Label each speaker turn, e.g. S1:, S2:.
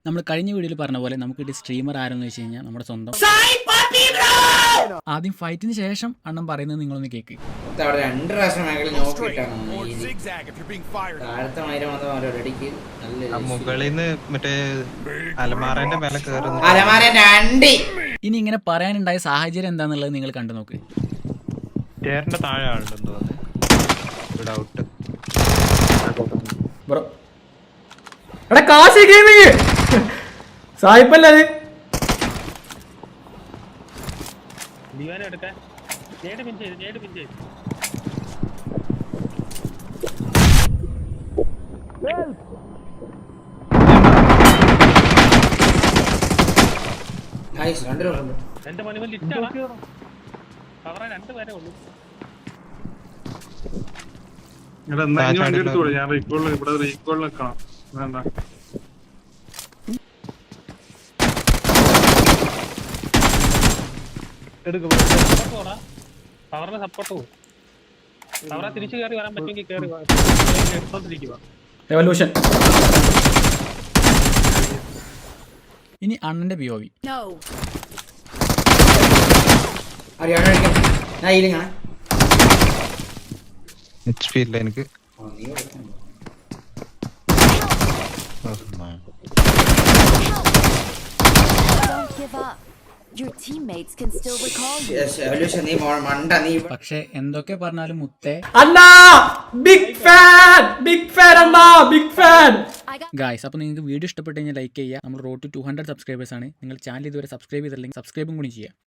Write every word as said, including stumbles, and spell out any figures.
S1: നമ്മൾ കഴിഞ്ഞ വീഡിയോയിൽ പറഞ്ഞ പോലെ നമുക്ക് സ്ട്രീമർ ആരെന്ന് വെച്ച് കഴിഞ്ഞാൽ നമ്മുടെ സ്വന്തം ആദ്യം ഫൈറ്റിന് ശേഷം അണ്ണൻ പറയുന്നത് നിങ്ങളൊന്ന് കേക്ക്.
S2: രണ്ട് പ്രാവശ്യം
S3: മുകളിന്ന് മറ്റേ അലമാരന്റെ മേലെ കേറുന്നു.
S1: ഇനി ഇങ്ങനെ പറയാനുണ്ടായ സാഹചര്യം എന്താന്നുള്ളത് നിങ്ങൾ കണ്ടു നോക്ക്.
S3: സ്റ്റെയറിന്റെ താഴെ ആളുണ്ടെന്ന് തോന്നുന്നു. ഡൗട്ട്.
S4: ബ്രോ എടാ കാശി ഗെയിമിങ് സായിപ്പല്ലേ അത്?
S5: ദിവാന എടുക്കാൻ നേട് പിൻ ചെയ്ത് നേട് പിൻ ചെയ്ത് എന്റെ മണിമൽ ലിറ്റാണ് കവറ രണ്ട് പേരെ ഉള്ളൂ.
S6: ഞാൻ റീകോളിൽ ഇവിടെ റീകോളിൽ നിൽക്കണം. വേണ്ട
S5: പവറിന് സപ്പോർട്ട് പോകും. പവറെ തിരിച്ചു കയറി വരാൻ പറ്റുമെങ്കിൽ കയറി എടുത്തോണ്ടിരിക്കുക.
S4: റെവല്യൂഷൻ.
S1: ഇനി അണ്ണന്റെ P O V.
S3: H P ഇല്ല എനിക്ക്.
S1: പക്ഷെ എന്തൊക്കെ പറഞ്ഞാലും മുത്തേ
S4: അണ്ണാ ബിഗ് ഫാൻ ബിഗ് ഫാൻ അണ്ണാ ബിഗ് ഫാൻ.
S1: ഗായ്സ്, അപ്പോൾ നിങ്ങൾക്ക് വീഡിയോ ഇഷ്ടപ്പെട്ട് കഴിഞ്ഞാൽ ലൈക്ക് ചെയ്യുക. നമ്മൾ road to two hundred subscribers ആണ്. നിങ്ങൾ ചാനൽ ഇതുവരെ സബ്സ്ക്രൈബ് ചെയ്തില്ലെങ്കിൽ സബ്സ്ക്രൈബും കൂടി ചെയ്യുക.